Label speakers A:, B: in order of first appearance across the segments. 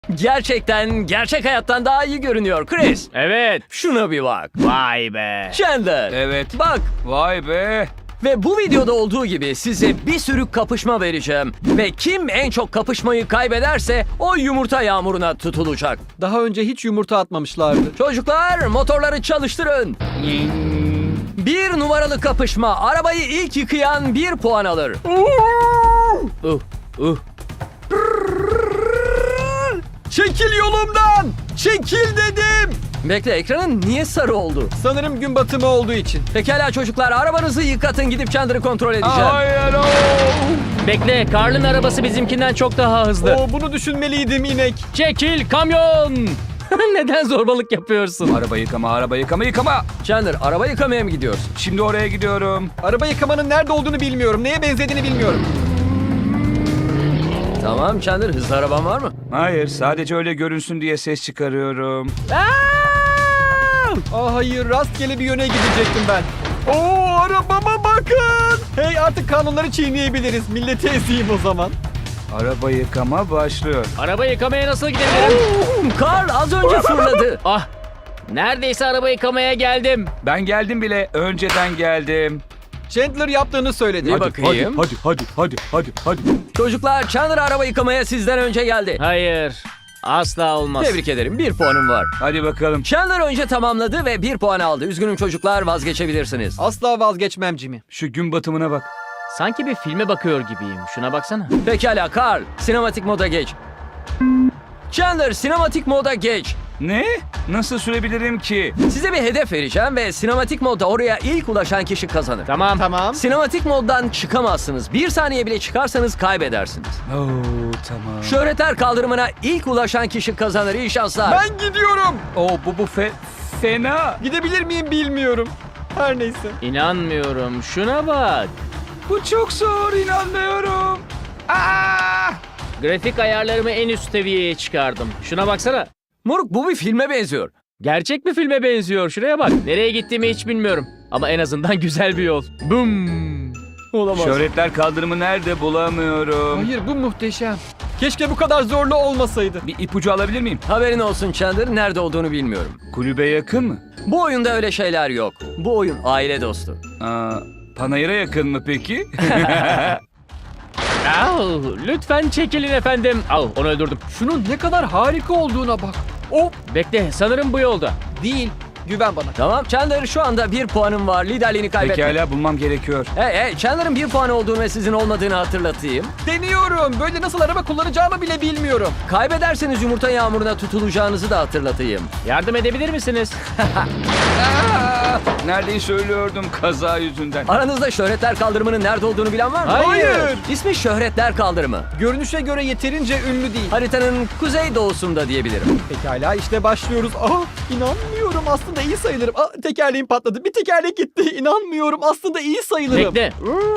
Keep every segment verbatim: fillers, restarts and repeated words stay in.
A: Gerçekten gerçek hayattan daha iyi görünüyor Chris.
B: Evet.
A: Şuna bir bak.
B: Vay be.
A: Chandler.
C: Evet.
A: Bak.
C: Vay be.
A: Ve bu videoda olduğu gibi size bir sürü kapışma vereceğim. Ve kim en çok kapışmayı kaybederse o yumurta yağmuruna tutulacak.
D: Daha önce hiç yumurta atmamışlardı.
A: Çocuklar motorları çalıştırın. Bir numaralı kapışma. Arabayı ilk yıkayan bir puan alır. Uh, uh.
D: Çekil yolumdan! Çekil dedim!
A: Bekle, ekranın niye sarı oldu?
D: Sanırım gün batımı olduğu için.
A: Pekala çocuklar, arabanızı yıkatın, gidip Chandler'ı kontrol edeceğim.
C: Hayır. o.
B: Bekle, Karl'ın arabası bizimkinden çok daha hızlı.
D: Oo, bunu düşünmeliydim inek.
B: Çekil kamyon. Neden zorbalık yapıyorsun?
C: Araba yıkama, araba yıkama, yıkama.
A: Chandler, araba yıkamaya mı gidiyorsun?
C: Şimdi oraya gidiyorum.
D: Araba yıkamanın nerede olduğunu bilmiyorum. Neye benzediğini bilmiyorum.
A: Tamam Chandler, hızlı araban var mı?
C: Hayır, sadece öyle görünsün diye ses çıkarıyorum.
D: Aa, hayır, rastgele bir yöne gidecektim ben. Oo, arabama bakın! Hey, artık kanunları çiğneyebiliriz. Milleti ezeyim o zaman.
C: Araba yıkama başlıyor.
B: Araba yıkamaya nasıl gidebilirim?
A: Karl az önce fırladı.
B: Ah. Neredeyse araba yıkamaya geldim.
C: Ben geldim bile, önceden geldim.
D: Chandler yaptığını söyledi.
A: Bir bakayım.
C: Hadi, hadi, hadi, hadi, hadi.
A: Çocuklar, Chandler araba yıkamaya sizden önce geldi.
B: Hayır. Asla olmaz.
A: Tebrik ederim, bir puanım var.
C: Hadi bakalım.
A: Chandler önce tamamladı ve bir puan aldı. Üzgünüm çocuklar, vazgeçebilirsiniz.
D: Asla vazgeçmem Jimmy.
C: Şu gün batımına bak.
B: Sanki bir filme bakıyor gibiyim. Şuna baksana.
A: Pekala Karl, sinematik moda geç. Chandler, sinematik moda geç.
C: Ne? Nasıl sürebilirim ki?
A: Size bir hedef vereceğim ve sinematik modda oraya ilk ulaşan kişi kazanır.
B: Tamam.
D: Tamam.
A: Sinematik moddan çıkamazsınız. Bir saniye bile çıkarsanız kaybedersiniz.
C: Oo, tamam.
A: Şöhretler kaldırımına ilk ulaşan kişi kazanır. İyi şanslar.
D: Ben gidiyorum.
C: Oo, bu bu fe, fena.
D: Gidebilir miyim bilmiyorum. Her neyse.
B: İnanmıyorum. Şuna bak.
C: Bu çok zor, inanmıyorum. Aa!
B: Grafik ayarlarımı en üst seviyeye çıkardım. Şuna baksana.
A: Moruk, bu bir filme benziyor.
B: Gerçek bir filme benziyor. Şuraya bak. Nereye gittiğimi hiç bilmiyorum. Ama en azından güzel bir yol. Boom.
A: Olamaz.
C: Şöhretler kaldırımı nerede bulamıyorum.
D: Hayır, bu muhteşem. Keşke bu kadar zorlu olmasaydı.
C: Bir ipucu alabilir miyim?
A: Haberin olsun Chandler, nerede olduğunu bilmiyorum.
C: Kulübe yakın mı?
A: Bu oyunda öyle şeyler yok. Bu oyun aile dostu.
C: Aa, Panayır'a yakın mı peki?
B: Au, lütfen çekilin efendim. Au, onu öldürdüm.
D: Şunun ne kadar harika olduğuna bak. O
B: Bekle, sanırım bu yolda.
D: değil. Güven bana.
A: Tamam Chandler, şu anda bir puanım var. Liderliğini kaybetme.
C: Pekala, bulmam gerekiyor.
A: Hey hey, Chandler'ın bir puan olduğunu ve sizin olmadığını hatırlatayım.
D: Deniyorum. Böyle nasıl araba kullanacağımı bile bilmiyorum.
A: Kaybederseniz yumurta yağmuruna tutulacağınızı da hatırlatayım.
B: Yardım edebilir misiniz?
C: Aa, neredeyi söylüyordum kaza yüzünden.
A: Aranızda şöhretler kaldırımının nerede olduğunu bilen var mı?
B: Hayır.
A: İsmi şöhretler kaldırımı.
D: Görünüşe göre yeterince ünlü değil.
A: Haritanın kuzey doğusunda diyebilirim.
D: Pekala, işte başlıyoruz. Aa, inanmıyorum. Aslında iyi sayılırım. Aa, tekerleğim patladı. Bir tekerlek gitti. İnanmıyorum. Aslında iyi sayılırım.
B: Bekle.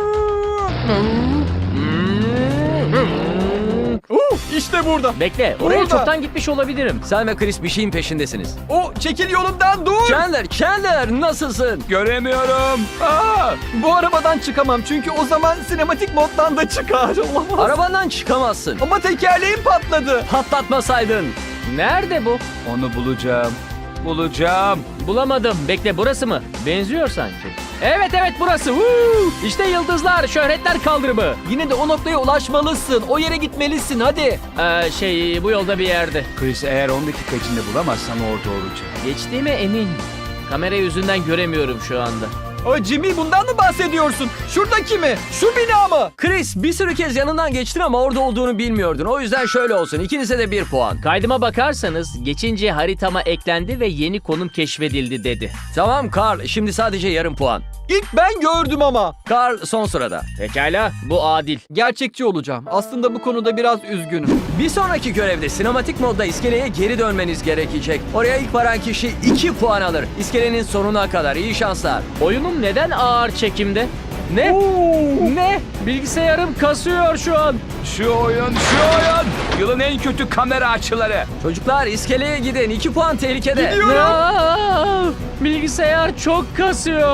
D: Uh, işte burada.
B: Bekle, oraya
D: Burada.
B: çoktan gitmiş olabilirim.
A: Sen ve Chris bir şeyin peşindesiniz.
D: O çekil yolumdan, dur.
A: Chandler, Chandler nasılsın?
C: Göremiyorum. Aa,
D: Bu arabadan çıkamam çünkü o zaman sinematik moddan da çıkar. Olamaz.
A: Arabandan çıkamazsın.
D: Ama tekerleğim patladı.
A: Patlatmasaydın.
B: Nerede bu?
C: onu bulacağım. Bulacağım.
B: Bulamadım. Bekle, burası mı? Benziyor sanki. Evet evet burası. Woo! İşte yıldızlar, şöhretler kaldırımı.
D: Yine de o noktaya ulaşmalısın. O yere gitmelisin, hadi.
B: Ee, şey bu yolda bir yerde.
C: Chris, eğer on dakika içinde bulamazsam orada olacağım.
B: Geçtiğime emin. Kamera yüzünden göremiyorum şu anda.
D: O Jimmy, bundan mı bahsediyorsun? Şuradaki mi? Şu bina mı?
A: Chris, bir sürü kez yanından geçtin ama orada olduğunu bilmiyordun. O yüzden şöyle olsun. İkinize de bir puan.
B: Kaydıma bakarsanız geçince haritama eklendi ve yeni konum keşfedildi dedi.
A: Tamam Carl, şimdi sadece yarım puan.
D: İlk ben gördüm ama.
A: Carl son sırada.
B: Pekala, bu adil.
D: Gerçekçi olacağım. Aslında bu konuda biraz üzgünüm.
A: Bir sonraki görevde sinematik modda iskeleye geri dönmeniz gerekecek. Oraya ilk varan kişi iki puan alır. İskelenin sonuna kadar. İyi şanslar.
B: Oyunum neden ağır çekimde? Ne? Ne? Bilgisayarım kasıyor şu an.
C: Şu oyun, şu oyun. Yılın en kötü kamera açıları.
A: Çocuklar iskeleye gidin. iki puan tehlikede.
D: Gidiyorum.
B: Aa, bilgisayar çok kasıyor.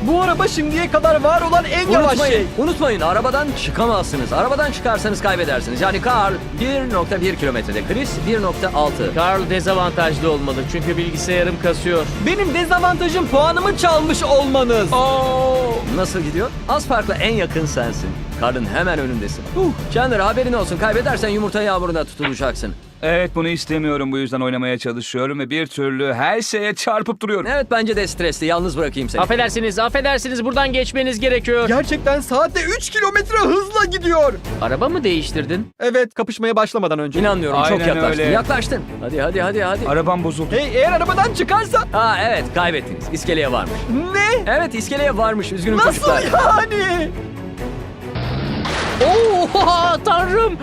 D: Bu araba şimdiye kadar var olan en yavaş
A: Unutmayın,
D: şey.
A: unutmayın arabadan çıkamazsınız. Arabadan çıkarsanız kaybedersiniz. Yani Carl bir nokta bir kilometrede, Chris bir nokta altı.
B: Carl dezavantajlı olmalı çünkü bilgisayarım kasıyor.
D: Benim dezavantajım puanımı çalmış olmanız.
A: Nasıl gidiyor? Az farkla en yakın sensin. Carl'ın hemen önündesin. Uh, Chandler haberin olsun. Kaybedersen yumurta yağmuruna tutulacaksın.
C: Evet bunu istemiyorum bu yüzden oynamaya çalışıyorum ve bir türlü her şeye çarpıp duruyorum.
A: Evet bence de stresli. Yalnız bırakayım seni.
B: Affedersiniz, affedersiniz buradan geçmeniz gerekiyor.
D: Gerçekten saatte üç kilometre hızla gidiyor.
B: Araba mı değiştirdin?
D: Evet, kapışmaya başlamadan önce.
A: İnanmıyorum. Çok
C: Aynen
A: yaklaştın.
C: öyle.
A: Yaklaştın. Hadi hadi hadi hadi.
C: Arabam bozuldu.
D: Hey, eğer arabadan çıkarsa...
A: Aa evet kaybettiniz. İskeleye varmış.
D: Ne?
A: Evet iskeleye varmış. Üzgünüm
D: Nasıl
A: çocuklar.
D: yani?
B: Oha tanrım!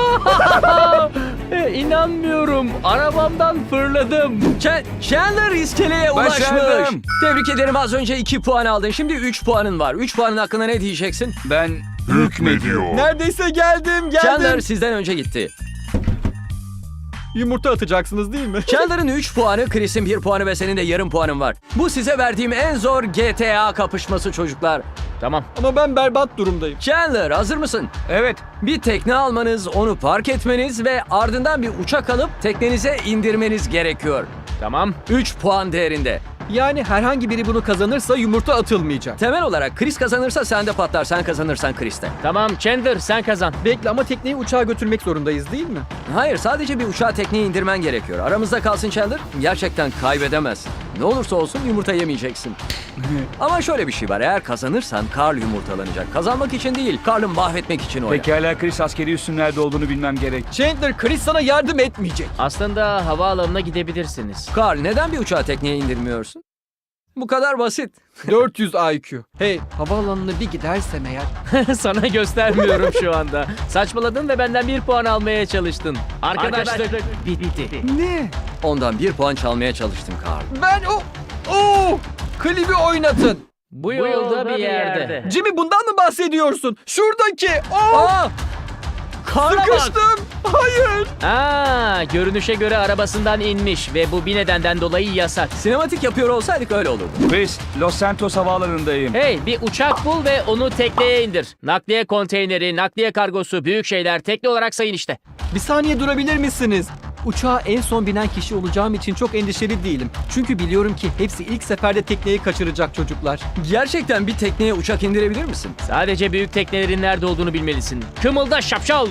B: e, inanmıyorum. Arabamdan fırladım.
A: Ch- Chandler iskeleye ulaşmış.
C: Başardım.
A: Tebrik ederim az önce iki puan aldın. Şimdi üç puanın var. üç puanın hakkında ne diyeceksin?
C: Ben hükmediyorum.
D: Neredeyse geldim, geldim.
A: Chandler sizden önce gitti.
D: Yumurta atacaksınız değil mi?
A: Chandler'ın üç puanı, Chris'in bir puanı ve senin de yarım puanın var. Bu size verdiğim en zor G T A kapışması çocuklar.
B: Tamam.
D: Ama ben berbat durumdayım.
A: Chandler hazır mısın?
C: Evet.
A: Bir tekne almanız, onu park etmeniz ve ardından bir uçak alıp teknenize indirmeniz gerekiyor.
B: Tamam.
A: üç puan değerinde.
D: Yani herhangi biri bunu kazanırsa yumurta atılmayacak.
A: Temel olarak Chris kazanırsa sen de patlar, sen kazanırsan Chris de.
B: Tamam Chandler sen kazan.
D: Bekle ama tekneyi uçağa götürmek zorundayız değil mi?
A: Hayır, sadece bir uçağı tekneye indirmen gerekiyor. Aramızda kalsın Chandler, gerçekten kaybedemezsin. Ne olursa olsun yumurta yemeyeceksin. Ama şöyle bir şey var, eğer kazanırsan Carl yumurtalanacak. Kazanmak için değil, Carl'ı mahvetmek için oynar.
C: Pekala Chris askeri üssün nerede olduğunu bilmem gerek.
D: Chandler, Chris sana yardım etmeyecek.
B: Aslında havaalanına gidebilirsiniz.
A: Carl, neden bir uçağı tekneye indirmiyorsun? Bu kadar basit.
D: dört yüz I Q. Hey, havaalanına bir gidersem eğer...
B: Sana göstermiyorum şu anda. Saçmaladın ve benden bir puan almaya çalıştın. Arkadaşlık bitti.
D: Ne?
A: Ondan bir puan çalmaya çalıştım Carl.
D: Ben o... Oo! Klibi oynatın.
B: Bu yolda bir yerde.
D: Jimmy, bundan mı bahsediyorsun? Şuradaki. Oo!
A: Aa! Carl'a bak!
D: Sıkıştım. Hayır.
B: Aa, görünüşe göre arabasından inmiş ve bu bir nedenden dolayı yasak.
A: Sinematik yapıyor olsaydık öyle olurdu.
C: Chris, Los Santos havaalanındayım.
B: Hey, bir uçak bul ve onu tekneye indir. Nakliye konteyneri, nakliye kargosu, büyük şeyler tekne olarak sayın işte.
D: Bir saniye durabilir misiniz? Uçağa en son binen kişi olacağım için çok endişeli değilim. Çünkü biliyorum ki hepsi ilk seferde tekneyi kaçıracak çocuklar.
A: Gerçekten bir tekneye uçak indirebilir misin?
B: Sadece büyük teknelerin nerede olduğunu bilmelisin. Kımılda şapşal.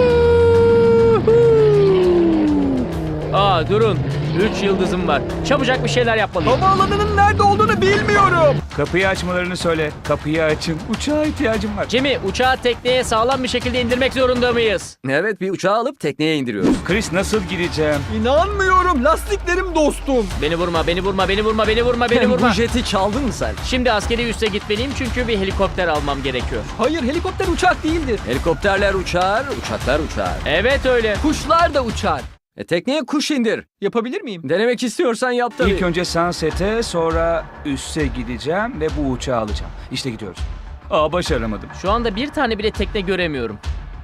B: Aa durun. Üç yıldızım var. Çabucak bir şeyler yapmalıyım.
D: Havaalanının nerede olduğunu bilmiyorum.
C: Kapıyı açmalarını söyle. Kapıyı açın. Uçağa ihtiyacım var.
B: Jimmy, uçağı tekneye sağlam bir şekilde indirmek zorunda mıyız?
A: Evet, bir uçağı alıp tekneye indiriyoruz.
C: Chris nasıl gireceğim?
D: İnanmıyorum. Lastiklerim dostum.
B: Beni vurma, beni vurma, beni vurma, beni vurma, beni
A: Bu
B: vurma.
A: jeti çaldın mı sen?
B: Şimdi askeri üsse gitmeliyim çünkü bir helikopter almam gerekiyor.
D: Hayır, helikopter uçak değildir.
A: Helikopterler uçar, uçaklar uçar.
B: Evet öyle.
D: Kuşlar da uçar.
A: E, tekneye kuş indir.
D: Yapabilir miyim?
A: Denemek istiyorsan yap tabii.
C: İlk önce Sunset'e sonra üsse gideceğim ve bu uçağı alacağım. İşte gidiyoruz. Aa başaramadım.
B: Şu anda bir tane bile tekne göremiyorum.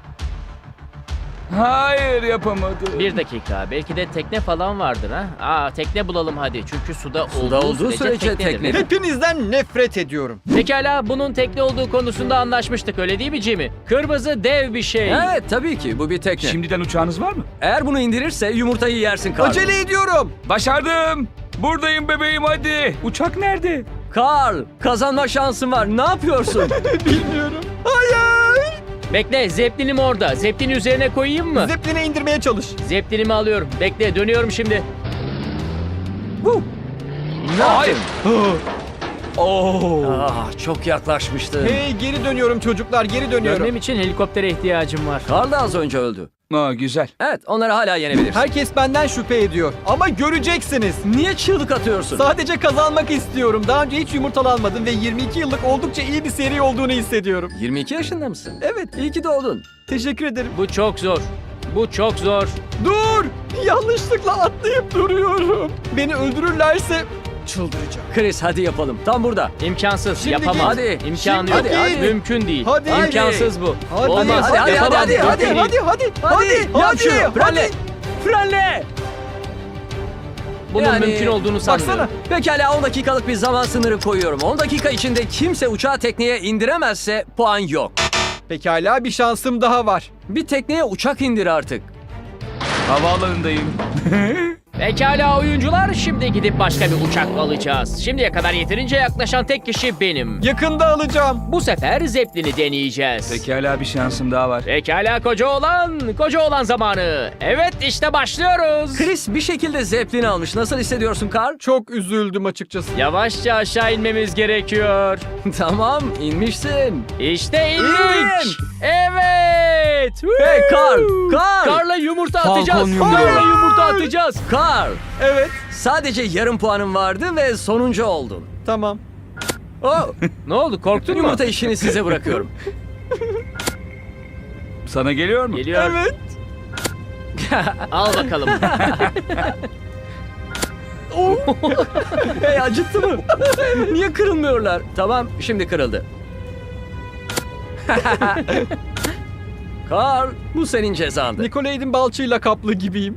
C: Hayır yapamadım.
B: Bir dakika, belki de tekne falan vardır ha. Aa tekne bulalım hadi çünkü suda,
A: Suda
B: olduğu,
A: olduğu
B: sürece,
A: sürece
B: teknedir.
A: tekne.
D: Hepinizden nefret ediyorum.
B: Pekala, bunun tekne olduğu konusunda anlaşmıştık öyle değil mi Jimmy? Kırmızı dev bir şey.
A: Evet tabii ki bu bir tekne.
C: Şimdiden uçağınız var mı?
A: Eğer bunu indirirse yumurtayı yersin Carl.
D: Acele ediyorum.
C: Başardım. Buradayım bebeğim hadi. Uçak nerede?
A: Carl, kazanma şansın var. Ne yapıyorsun?
D: Bilmiyorum. Hayır.
B: Bekle, zepplinim orada. Zeplini üzerine koyayım mı?
D: Zeppelin'e indirmeye çalış.
B: Zeplinimi alıyorum. Bekle, dönüyorum şimdi.
A: Woo! Ne
C: Hayır.
A: yaptın?
C: Oo.
A: Ah, çok yaklaşmıştı.
D: Hey, geri dönüyorum çocuklar, geri dönüyorum.
B: Dönmem için helikoptere ihtiyacım var.
A: Carl da az önce öldü.
C: Aa, güzel.
A: Evet, onları hala yenebilirsin.
D: Herkes benden şüphe ediyor. Ama göreceksiniz.
A: Niye çığlık atıyorsun?
D: Sadece kazanmak istiyorum. Daha önce hiç yumurtalanmadım ve yirmi iki yıllık oldukça iyi bir seri olduğunu hissediyorum.
A: yirmi iki yaşında mısın?
D: Evet,
A: İyi ki doğdun.
D: teşekkür ederim.
B: Bu çok zor. Bu çok zor.
D: Dur! Yanlışlıkla atlayıp duruyorum. Beni öldürürlerse çıldıracağım.
A: Chris hadi yapalım. Tam burada.
B: İmkansız.
D: Şimdi
B: Yapamam.
A: git. Hadi.
B: İmkanı
D: Şimdi
B: yok.
D: git. Hadi.
B: Mümkün değil.
D: Hadi.
B: İmkansız bu.
D: Hadi,
B: Olmaz.
A: hadi, hadi,
B: Yapamam.
D: hadi, hadi,
B: Mümkün
D: hadi,
B: değil.
D: hadi, hadi, hadi,
A: Yap
D: hadi,
A: şunu. Frenle.
D: hadi.
A: Frenle.
B: bunun
A: Yani,
B: mümkün olduğunu sanmıyorum.
D: Baksana.
A: Pekala on dakikalık bir zaman sınırı koyuyorum. on dakika içinde kimse uçağı tekneye indiremezse puan yok.
D: Pekala bir şansım daha var.
A: Bir tekneye uçak indir artık.
C: Havaalanındayım.
B: Pekala oyuncular, şimdi gidip başka bir uçak alacağız. Şimdiye kadar yeterince yaklaşan tek kişi benim.
D: Yakında alacağım.
B: Bu sefer Zeppelin'i deneyeceğiz.
C: Pekala bir şansım daha var.
B: Pekala koca oğlan, koca oğlan zamanı. Evet işte başlıyoruz.
A: Chris bir şekilde Zeppelin almış. Nasıl hissediyorsun Carl?
D: Çok üzüldüm açıkçası.
B: Yavaşça aşağı inmemiz gerekiyor.
A: Tamam inmişsin.
B: İşte indik. Evet.
A: Hey Carl! Carl!
B: Karla yumurta
C: Falcon
B: atacağız.
C: yumurta.
B: Karla yumurta atacağız.
A: Carl!
D: Evet.
A: Sadece yarım puanın vardı ve sonuncu oldun.
D: Tamam.
A: Oh,
B: Ne oldu, korktun mu?
A: yumurta işini size bırakıyorum.
C: Sana geliyor mu?
B: Geliyor.
D: Evet.
B: Al bakalım.
A: Hey acıttı mı? Niye kırılmıyorlar? Tamam şimdi kırıldı. Carl bu senin cezandı.
D: Nicolaid'in balçığıyla kaplı gibiyim.